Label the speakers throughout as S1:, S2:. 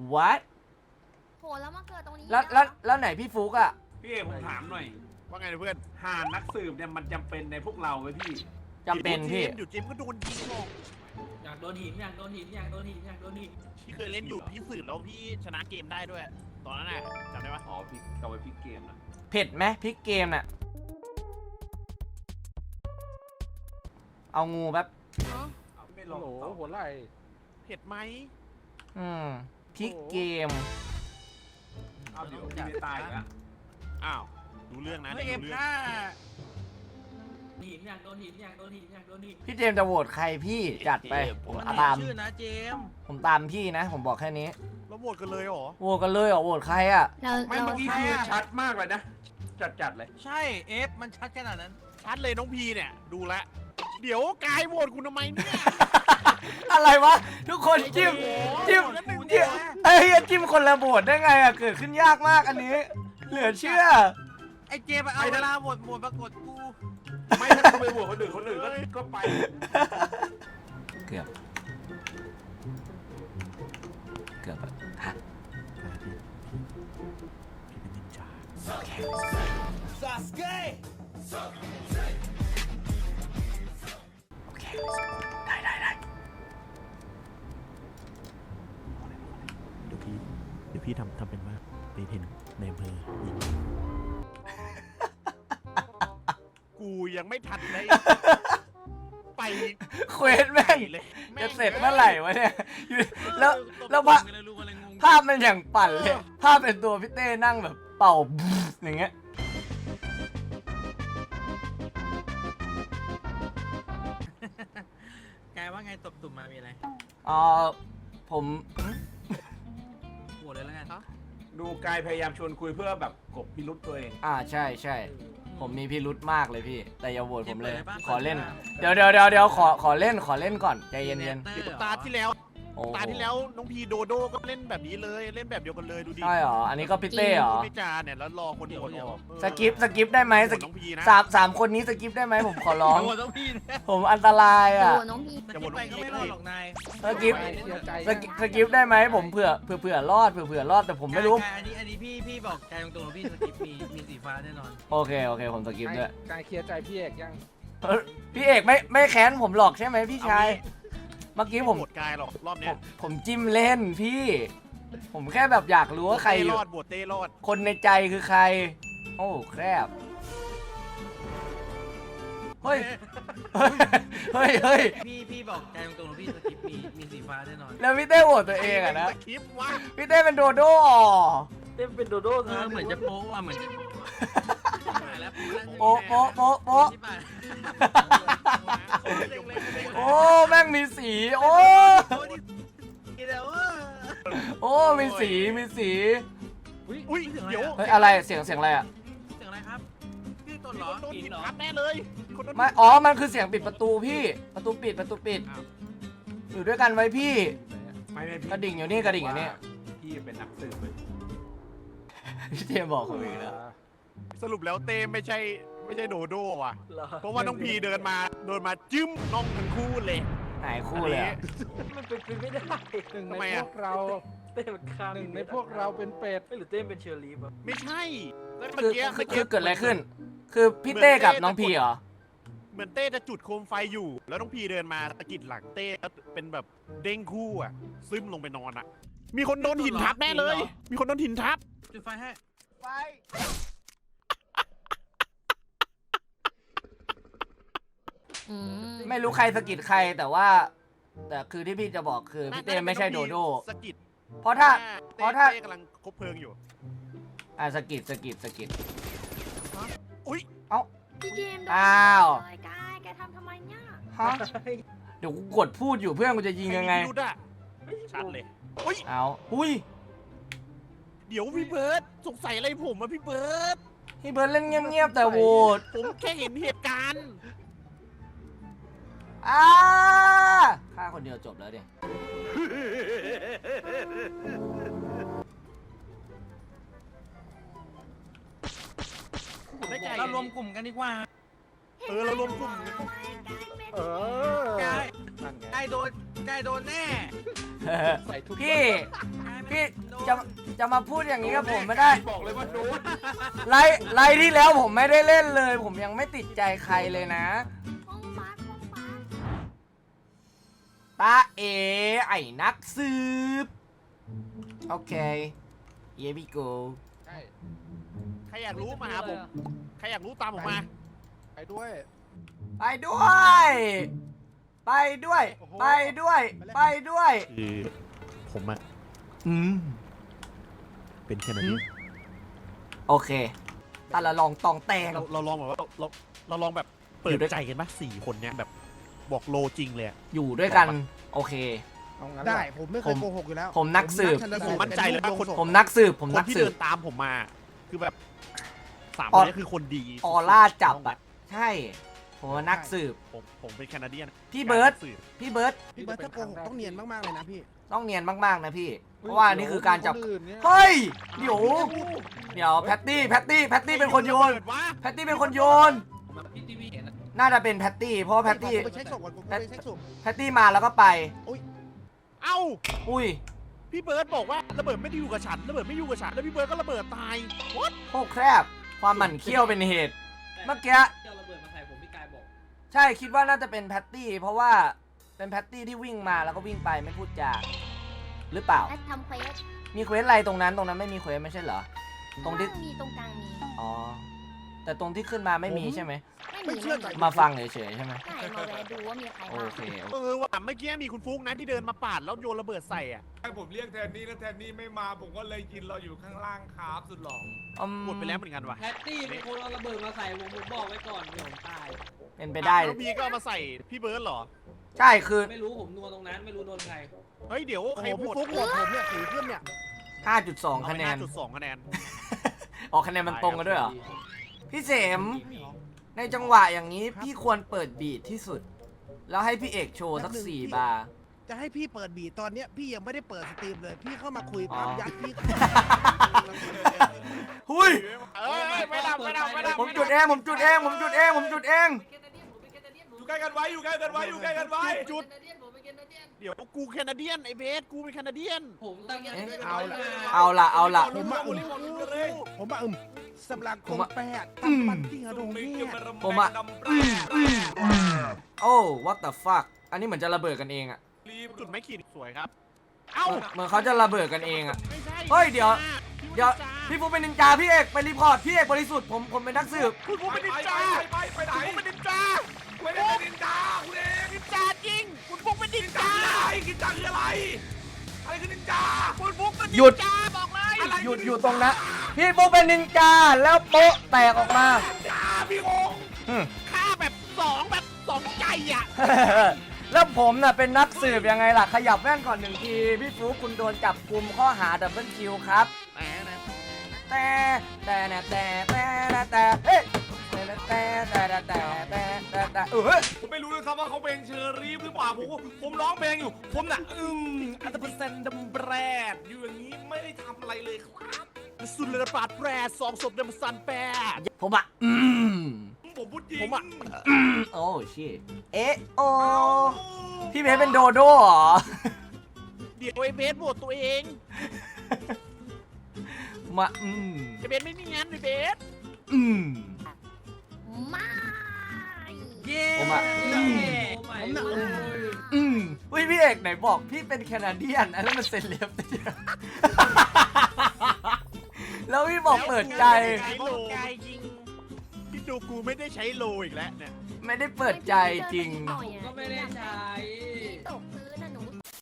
S1: what
S2: โหแล้วมาเกิดตรงนี้
S1: แล้วไหนพี่ฟุกอะ
S3: พี่เอกผมถามหน่อย
S4: ว่าไงเพื่อน
S3: หานักสืบเนี่ยมันจำเป็นในพวกเราไหมพี่
S1: จำเป็นพี่
S4: อยู่เจมก็โดนยิงหรอก
S5: อยากโดนหินอยากโดนหินอยากโดนหินอยากโดนหิน
S4: พี่เคยเล่นอยู่พี่สืบแล้วพี่ชนะเกมได้ด้วย ตอนนั้นน่ะจำได้ปะ
S3: อ๋อพี่เอาไว้พี่เกมนะ
S1: เผ็ดไหมพริกเกมน่ะเอางูแบบ
S3: เอาไม่ลอง
S6: โห
S3: ต่อ
S6: หัวไหล่
S4: เผ็ดไหม
S1: พริกเกม
S3: เอาเดี๋ยวพี่ไม่ตายอีกแล้ว
S4: อ้าวดูเรื่องนะ
S5: ไม่
S4: ดู
S5: เอฟ
S4: เรื่อง
S5: ค่าหินอยากโดนหินอยากโดนหินอยากโดนหิน
S1: พี่เจมส์จะโหวตใครพี่จัดไปผม
S5: มัน
S1: ตาม
S5: ชื่อนะเจม
S1: ผมตามพี่นะ ผมบอกแค่นี้
S4: แล้วโหวตกันเลยเหรอ
S1: โหวตกันเลยเหรอโหวตใครอ่ะ
S3: ไม่เมื่อกี้พี่ชัดมากเลยนะ จัดเลย
S5: ใช่เอฟมันชัดขนาดนั้น
S4: ชัดเลยน้องพีเนี่ยดูแลวเดี๋ยวกายโหวตคุณทำไมเนี่ย
S1: อะไรวะทุกคนจิ้มจิ้มเอ้ยจิ้มคนละโหวตได้ไงอ่ะเกิดขึ้นยากมากอันนี้ เหลือเชื่อ
S5: ไอเจมเอาเวลาหมดปรากฏกู
S3: ไม่ถ้าเขาไปโหวตคนอื่นก็ไป
S1: เกือบอะฮะโอเคโอเคได้
S4: เดี๋ยวพี่ทำเป็นว่าไปเห็นในอำเภอยิงกูยังไม่ทันได้ไป
S1: เควสแม่ง
S4: เลย
S1: จะเสร็จเมื่อไหร่วะเนี่ยแล้วภาพมันอย่างปั่นเลยภาพเป็นตัวพี่เต้นั่งแบบเป่าอย่างเงี้ย
S5: กายว่าไงตบตุ่มมามีอะไร
S1: ผม
S5: โหวตเลยแล้วกัน
S3: ดูกายพยายามชวนคุยเพื่อแบบกบพิรุษตัวเอง
S1: ใช่ผมมีพิรุธมากเลยพี่ แต่อย่าโหวตผมเลย
S5: เปิดเลยปะ
S1: ขอเล่น
S5: เปิดเลยปะ
S1: เดี๋ยวขอเล่นก่อนใจเย็น
S4: ตาที่แล้ว
S1: ๆโอ้
S4: ตาที่แล้วน้องพีโดโดก็เล่นแบบนี้เลยเล่นแบบเดียวกันเลยดูดิ
S1: ใช่เหรออันนี้ก็พี่เต้เหรอ
S4: ไม่จาเนี่ยแล้วรอคนโหวตออก
S1: สกิปได้ไหม
S4: โหวตน้องพีนะ
S1: สามคนนี้สกิปได้ไหมผมขอร้อง
S5: โหวตต้องพี่นะ
S1: ผมอันตราย
S2: โอ้
S1: อ่ะ
S2: โหน้องพี
S5: จะโหวตไปก็ไม่รอดหรอกนาย
S1: สกิป
S6: เสียใจ
S1: สกิปได้ไหมผมเผื่อรอดแต่ผมไม่รู้
S5: กายอันนี้พี่บอกกายตรงๆพี่สกิปมีสีฟ้าแน่นอน
S1: โอเคผมสกิปด้วย
S6: การเคลียร์ใจพี่เอกยัง
S1: พี่เอกไม่แค้นผมหรอกใช่ไหมพี่ชายเมื่อกี้ผม
S4: โหวตกายหรอกรอบเนี้ย
S1: ผมจิ้มเล่นพี่ ผมแค่แบบอยากรู้ว่าใคร
S4: เต้
S1: อยู่
S4: รอดโหวตเต้รอด
S1: คนในใจคือใคร โอ้แคบเฮ้ย
S5: พี่บอกกายตรงๆพี่สกิปมีสีฟ้าแน่นอน
S1: แล้วพี่เต้โหวตตัวเองอะนะ
S4: สคริปต์วะ
S1: พี่เต้เป็นโดโด้อ๋อ
S5: เหมือนจะโป๊ะว่ะเหมือนจะแล้ว
S1: โป๊ะโอ้แม่งมีสีโอ้มีสี
S4: อุ้ยเดี๋ยว
S1: เฮ้ยอะไรเสียงอะไรอะ
S5: เสียงอะไรครับพี่ต้น
S4: มี
S5: เหร
S4: ค
S5: อน
S4: โดน
S5: หิ
S4: หิ
S5: น
S4: น
S5: เหรอ
S4: ทับแน่เลยคนโดน
S1: ไม่มันคือเสียงปิดประตูพี่ประตูปิดอยู่ด้วยกันไว้พี่
S3: ไม่
S1: กระดิ่งอยู่นี่
S3: พี่เป็นนักสืบเลย
S1: พี่เจมบอกผมอีกแล้ว
S4: สรุปแล้วเต้ไม่ใช่โดโด้ว่ะเพราะว่าน้องพีเดินมาจิ้มน้องทั้งคู่เลย
S1: หายคู่เลยอะ
S7: มันเป็นไปไม่ได้
S6: หนึ่ง
S4: ทำ
S6: ใน
S4: ไม
S6: พ
S4: อะ
S6: วกเรา
S7: เต้มันฆ่า
S6: หนึ่งในพวกเราเป็นเป็ด
S7: ไม่หรือเต้เป็นเชอร์ลีฟอะ
S4: ไม่ใช่แล้วเมื่
S1: คือเกิดอะไรขึ้น คือพี่เต้กับน้องพีเหรอ
S4: เหมือนเต้จะจุดโคมไฟอยู่ แล้วน้องพีเดินมาตะกิดหลังเต้แล้วเป็นแบบเด้งคู่อ่ะซึมลงไปนอนอ่ะ มีคนโดนหินทับแน่เลย มีคนโดนหินทับ
S5: จุดไฟให้
S4: ไฟ
S1: ไม่รู้ใครสะกิดใครแต่คือที่พี่จะบอกคือพี่เต้ไม่ใช่โดโด้
S4: สะกิด
S1: เพราะถ้า
S4: เต้กำลังคบเพลิงอยู่
S1: สะกิด
S4: อุ้ย
S2: พี่เจมส์
S1: อ้าว
S2: แกทำทำไมเนี่ย
S1: ฮะเดี๋ยวกูกดพูดอยู่เพื่อนกูจะยิงยังไง
S4: ใครมีพิรุธอะชัดเลยอุ้ย
S1: เอาอุ้ย
S4: เดี๋ยวพี่เบิร์ดสงสัยอะไรผมอะพี่เบิร์ด
S1: พี่เบิร์ดเล่นเงียบๆแต่โหวต
S4: ผมแค่เห็นเหตุการณ์
S1: ฆ่าคนเดียวจบแล้วดิ
S4: ได้ใจ
S5: เรารวมกลุ่มกันดีกว่า
S4: เรารวมกลุ่ม
S6: เออก
S5: าย
S6: นั่นไง
S5: กายโดนแน่
S6: ใส่ทุก
S1: พี่
S5: กายไม่
S1: พี่จะมาพูดอย่างนี้กับผมไม่ได้
S3: บอกเลยว่าโดน
S1: ไลฟ์ที่แล้วผมไม่ได้เล่นเลย ผมยังไม่ติดใจใครเลยนะ
S2: ห้องบักห้องบัก
S1: ตาเอไอ้นักสืบโอเคเยบิโก
S6: ใช่
S4: ใครอยากรู้มาหาผม ใครอยากรู้ตามผมมา
S6: ไปด้วย
S1: ไปด้วย ไปด้วย
S6: โอ้โห
S1: ไปด้วย ไปด้วย
S4: คือผมอะ
S1: อืม
S4: เป็นแค่นั้นเอง
S1: โอเคตาละลองตองแตง
S4: เราลองแบบว่าเราลองแบบเปิ
S1: อยู่
S4: ด
S1: ด้วย
S4: ใจกันปะ4 คนเนี้ยแบบบอกโลจริงเลยอะ
S1: อยู่ด้วยกัน โอเค
S6: เอางั้น
S8: ได้
S6: เหรอ
S8: ผมไม่เคยโกหกอยู่แล้ว
S1: ผมนักสืบ
S8: ชัน
S4: ผ
S8: สู
S4: ม
S8: ตร
S4: มั่นใจเลยว่าคน
S1: ผมนักสืบ ผม
S4: คน
S1: นัก
S4: ที่
S1: สื
S4: เดิ
S1: บ
S4: นตามผมมา คือแบบ3
S1: อ
S4: ค
S1: อ
S4: นนี้คือคนดี
S1: ออร่าจับอะใช่ ผมว่านักสืบ
S4: ผมเป็นแคนาเดียน
S1: พี่เบิร์ต
S4: นักสืบ
S1: พี่เบิร์ต
S8: พี่เบิร์ตถ้าโกหกต้องเนียนมากๆเลยนะพี่
S1: ต้องเนียนมากๆนะพี่ เพราะว่านี่คือการจับ
S6: คนอื่นเนี่ย
S1: เฮ้ย เดี๋ยวแพตตี้เป็นคนโยน
S4: เปิดวะ
S1: แพตตี้เป็นคนโยน
S5: พี่ที่พี่เห็นนะ
S1: น่าจะเป็นแพตตี้ เพราะว่าแพตตี้
S8: ผมไปเช็คศพก่อนผมไปเช็คศพ
S1: แพตตี้มาแล้วก็ไป
S4: เอ้า
S1: อุ้ย
S4: พี่เบิร์ตบอกว่าระเบิดไม่ได้อยู่กับฉันระเบิดไม่อยู่กับฉันแล้วพี่เบิร์ตก็ระเบิดตาย What?
S1: โคตรแคบ ความหมั่นเคี้ยวเป็นเหตุ เมื่อกี้
S5: เจ้าระเบิดมาใส่ผมพี่กายบอก
S1: ใช่คิดว่าน่าจะเป็นแพตตี้ เพราะว่าเป็นแพตตี้ที่วิ่งมาแล้วก็วิ่งไปไม่พูดจาหรือเปล่า
S2: และทำเควส
S1: มีเควสอะไรตรงนั้นไม่มีเควสไม่ใช่เหรอ ตรงที่
S2: มีตรงกลางมี
S1: อ๋อ แต่ตรงที่ขึ้นมาไม่มีใช่ไหม
S2: ไม่มี
S1: มาฟังเฉยๆใช่ไหม
S2: ใช่มาแวะดูว่ามีใคร
S1: โอ
S2: บ้าง
S1: เคโอเค
S4: ว่ะเมื่อกี้มีคุณฟุ๊กนะที่เดินมาปาดแล้วโยนระเบิดใส่อ่ะ
S3: ผมเรียกแทนนี่แล้วแทนนี่ไม่มาผมก็เลยกินเราอยู่ข้างล่างครับสุดหล่อ
S4: หมดไปแล้วเหมือนกันว่ะ
S5: แพตตี้เป็นคนเอาระเบิดมาใส่ผมบอกไว้ก่อนเดี๋ยวผมตาย
S1: เป็นไปได้
S4: แล้วพี่ก็เอามาใส่พี่เบิร์ตเหรอ
S1: ใช่คือ
S5: ไม่รู้ผมนัวตรงนั้นไม่รู้โดนใคร
S4: เฮ้ยเดี๋ยว
S8: โอ้
S4: ใค
S8: โห
S4: รโห
S8: พี่
S4: วต
S8: ฟุ๊กโหวตผมเนี่ยถือขึ้นเนี่ย
S1: 5.2 คะแนน
S4: 5.2 คะแนน
S1: ออกคะแนนมันตรงกันด้วยเหรอ พี่เสม ในจังหวะอย่างนี้พี่ควรเปิดบีทที่สุด แล้วให้พี่เอกโชว์สัก4 บาร์
S8: จะให้พี่เปิดบีทตอนเนี้ยพี่ยังไม่ได้เปิดสตรีมเลย พี่เข้ามาคุย
S1: อ๋อ
S8: ปั๊บยัดพี่
S1: หุย
S4: เอ้ยไม่ดับ
S1: ผมจุดเอง
S3: อยู่ใกล้กันไว้อยู่ใกล้กันไว้อยู่ใกล้กันไว้
S4: จุดเดี๋ยวกูแคนาเดียนไอเบสกูเป็นแคนาเดียน
S5: ผมตั้งใจ
S1: เอาละ
S8: ผมมาสำหรับกงแปดตั้งปันที่ฮะโดงเนี่ย
S1: โอ้ what the fuck อันนี้เหมือนจะระเบิดกันเองอะ
S4: จุดไม่ขีดสวยครับ เอ้า
S1: เหมือนเขาจะระเบิดกันเองอะ
S4: ไม่ใช่
S1: เฮ้ยเดี๋ยว
S4: พี่
S1: พี่ฟุกเป็นนินจาพี่เอกไปรีพอร์ตพี่เอกบริสุทธิ์ผมเป็นนักสืบ
S4: คุณฟุ๊กเป็นนินจา
S3: ไปไหน
S4: คุณฟุ๊กเป็นนินจา
S3: ไม่ได้เป็นนินจาคุณเอง
S4: นินจาจริงคุณฟุ๊กเป็นนินจา
S3: กินจาคืออะไรอะไรคือนินจา
S4: คุณฟุ๊กเป็นนิ
S1: หยุด
S4: นจาบอกเลย
S1: หยุดตรงนั้นพี่ฟุกเป็นนินจาแล้วโป๊ะแตกออกมา
S3: จาพี่งง
S1: อืม
S4: ฆ่าแบบสองใจอ่ะ
S1: แล้วผมน่ะเป็นนักสืบยังไงล่ะ ขยับแว่นก่อน1 ที พี่ฟุกคุณโดนจับกุมข้อหาดับเบิลคิวครับ
S4: แหมนะ
S1: แต่เฮ้ย
S3: ผมไม่รู้เลยครับว่าเขาเป็นเชอรี่หรือเปล่าผมร้องเพลงอยู่ผมน่ะอัตเปอร์เซ็นต์ดัมแบรดอยู่อย่างนี้ไม่ได้ทำอะไรเลยครับ
S4: สุดเลยปาดแปร2 ศพเดมซันแปร
S1: ผมอ่ะ
S3: ผมพูดจริง
S4: ผมอะ
S1: โอ้ชิเอ๊ะโอพี่เพชรเป็นโดโด้เหรอ
S4: เดี๋ยวไอเบสโหวตตัวเอง
S1: มา
S4: ไอเบสไม่เนียนไอเบส
S2: ไม่
S1: ผมอ่ะ
S8: ผมน่ะ
S1: อุ้ยพี่เอกไหนบอกพี่เป็นแคนาเดียนอันนั้นมันเซเลบแล้วพี่บอกเปิดใจ
S4: โลยิงพี่ดูกูไม่ได้ใช้โลอีกแล้วเนี่ย
S1: ไม่ได้เปิดใจจริง
S5: ก็ไม่ได้ใช้
S2: ตกพื้นนะหนู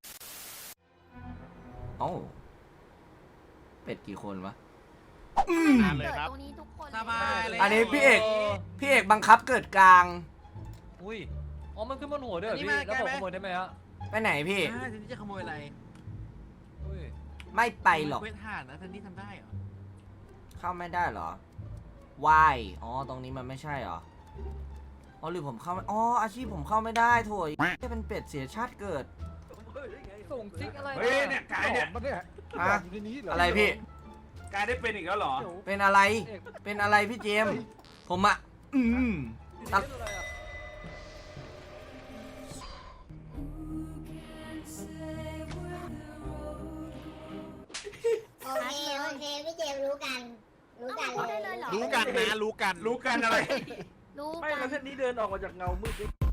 S1: โอ้เป็ดกี่คนวะ
S4: อ่านเลย
S2: เกิด
S4: ครับ
S2: ตรงนี้ทุกคน
S5: สบายเลย
S1: อันนี้พี่เอกบังคับเกิดกลาง
S9: อุ้ย อ๋อ มันขึ้นบนหัวด้วยเหรอพี่ แล้วผมขโมยได้ไหมฮะ
S1: ไปไหนพี่
S5: ทีนี้จะขโมยอะไร
S9: อุ้ย
S1: ไม่ไปหรอก
S5: เวทห่านนะท่านนี่ทำได้เหรอ
S1: เข้าไม่ได้เหรอ Why อ๋อ ตรงนี้มันไม่ใช่เหรอ อ๋อหรือผมเข้าไม่อ๋อ อาชีพผมเข้าไม่ได้โถยจะเป็นเป็ดเสียชาติเกิด
S9: ส่งซิกอะไร
S3: เฮ้ยเนี่ยกายเนี่ย
S6: มันเนี่ย
S1: ฮะ
S6: อยู่ในนี้เหรอ
S1: อะไรพี่
S3: กายได้เป็นอีกแล้วเหรอ
S1: เป็นอะไร เป็นอะไรพี่เจมส์ผมอะตัด
S10: เจมรู้กัน รู้กัน
S2: เอามาพูดได้เลยเหรอ
S4: รู้กันนะรู้กัน
S3: รู้กันอะไร
S2: รู้
S7: ไม่
S2: กั
S7: แล้ว
S2: น
S7: เส้นนี้เดินออกมาจากเงามืด